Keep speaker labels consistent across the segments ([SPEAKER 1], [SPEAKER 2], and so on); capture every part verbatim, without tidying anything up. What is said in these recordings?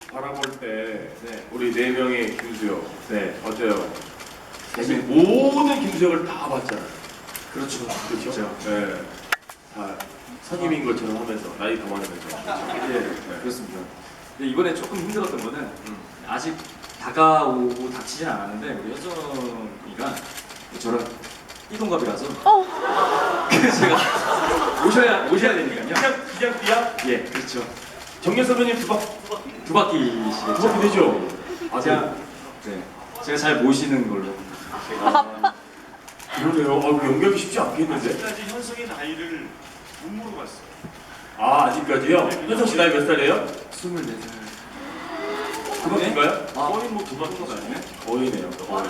[SPEAKER 1] 바라볼 때
[SPEAKER 2] 네.
[SPEAKER 1] 우리 네 명의 김수혁 네 어때요? 사실 모든 김수혁을 다 봤잖아요.
[SPEAKER 2] 그렇죠.
[SPEAKER 1] 그렇죠? 네. 다 선임인 것처럼 하면서 나이 더 많으면서.
[SPEAKER 2] 네,
[SPEAKER 1] 네.
[SPEAKER 2] 그렇습니다. 근데 이번에 조금 힘들었던 거는
[SPEAKER 1] 음.
[SPEAKER 2] 아직 다가오고 닥치진 않았는데 우리 현정이가 저랑 띠동갑이라서 그래서 제가 오셔야 오셔야 되니까요.
[SPEAKER 1] 그냥 그냥 띠야?
[SPEAKER 2] 예, 그렇죠.
[SPEAKER 1] 정렬 선배님 두 박.
[SPEAKER 2] 두 바퀴시겠죠.
[SPEAKER 1] 두 바퀴 되죠?
[SPEAKER 2] 아, 제가 네, 제가 잘 모시는 걸로. 제가
[SPEAKER 1] 그러네요. 아, 연결이 쉽지 않겠는데?
[SPEAKER 3] 아직까지 현석의 나이를 못 물어봤어요.
[SPEAKER 1] 아, 아직까지요? 현석 씨 나이 몇 살이에요?
[SPEAKER 2] 스물네 살.
[SPEAKER 1] 두 바퀴인가요?
[SPEAKER 2] 아,
[SPEAKER 3] 거의 뭐두 바퀴가 아니네.
[SPEAKER 1] 거의네요. 거의.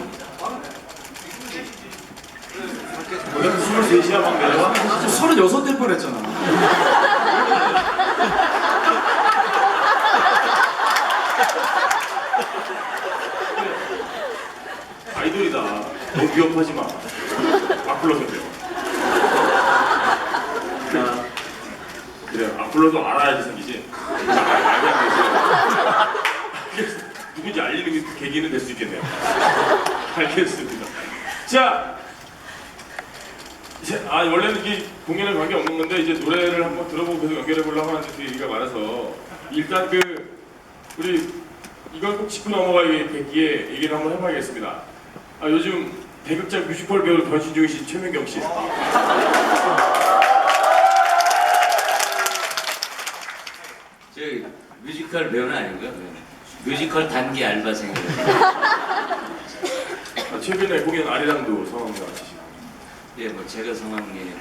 [SPEAKER 1] 그냥 스물셋이야 막 내려와?
[SPEAKER 2] 저 서른여섯 될 뻔했잖아.
[SPEAKER 1] 아이돌이다. 너무 위협하지 마. 악 불러서요.
[SPEAKER 2] 자,
[SPEAKER 1] 그래요. 악 불러도 알아야지 생기지. 알게 안 되지. 누군지 알리는 그 계기는 될 수 있겠네요. 알겠습니다. 자, 이제 아 원래는 이게 공연에 관계 없는 건데 이제 노래를 한번 들어보고 계속 연결해 보려고 하는데 그 얘기가 많아서 일단 그 우리 이걸 꼭 짚고 넘어가겠기에 얘기를 한번 해봐야겠습니다. 아 요즘 대극장 뮤지컬 배우로 변신 중이신 최민경 씨.
[SPEAKER 4] 저 뮤지컬 배우는 아니고요. 뮤지컬 단기 알바생이에요.
[SPEAKER 1] 아, 최근에 공연 아리랑도 성함이 같으시고
[SPEAKER 4] 예, 뭐 제가 성함이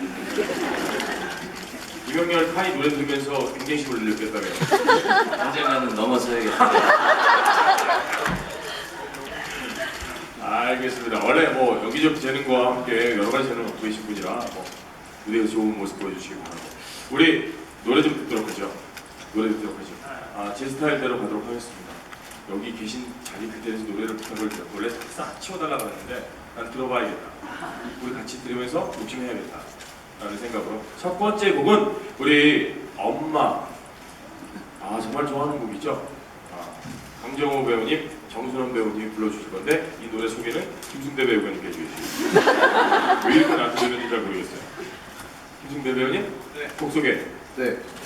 [SPEAKER 1] 이명렬 카이 노래 들으면서 굉장히 느꼈다며요.
[SPEAKER 4] 언젠가는 넘어서야겠다.
[SPEAKER 1] 알겠습니다. 원래 뭐 여기저기 재능과 함께 여러 가지 재능을 갖고 계신 분이라 뭐 무대에서 좋은 모습 보여주시기 바라고 우리 노래 좀 듣도록 하죠. 노래 듣도록 하죠. 아, 제 스타일대로 가도록 하겠습니다. 여기 계신 자리 그대에서 노래를 부탁을 드렸고 원래 싹 치워달라고 했는데 난 들어봐야겠다. 우리 같이 들으면서 욕심해야겠다 라는 생각으로 첫 번째 곡은 우리 엄마 아 정말 좋아하는 곡이죠. 아, 강정호 배우님, 정순원 배우님이 불러주실 건데 이 노래 소개는 김승대 배우님께 해주시겠습니다. 왜 이렇게 나한테 들렸는지 잘 모르겠어요. 김승대 배우님,
[SPEAKER 3] 네.
[SPEAKER 1] 곡 소개.
[SPEAKER 2] 네,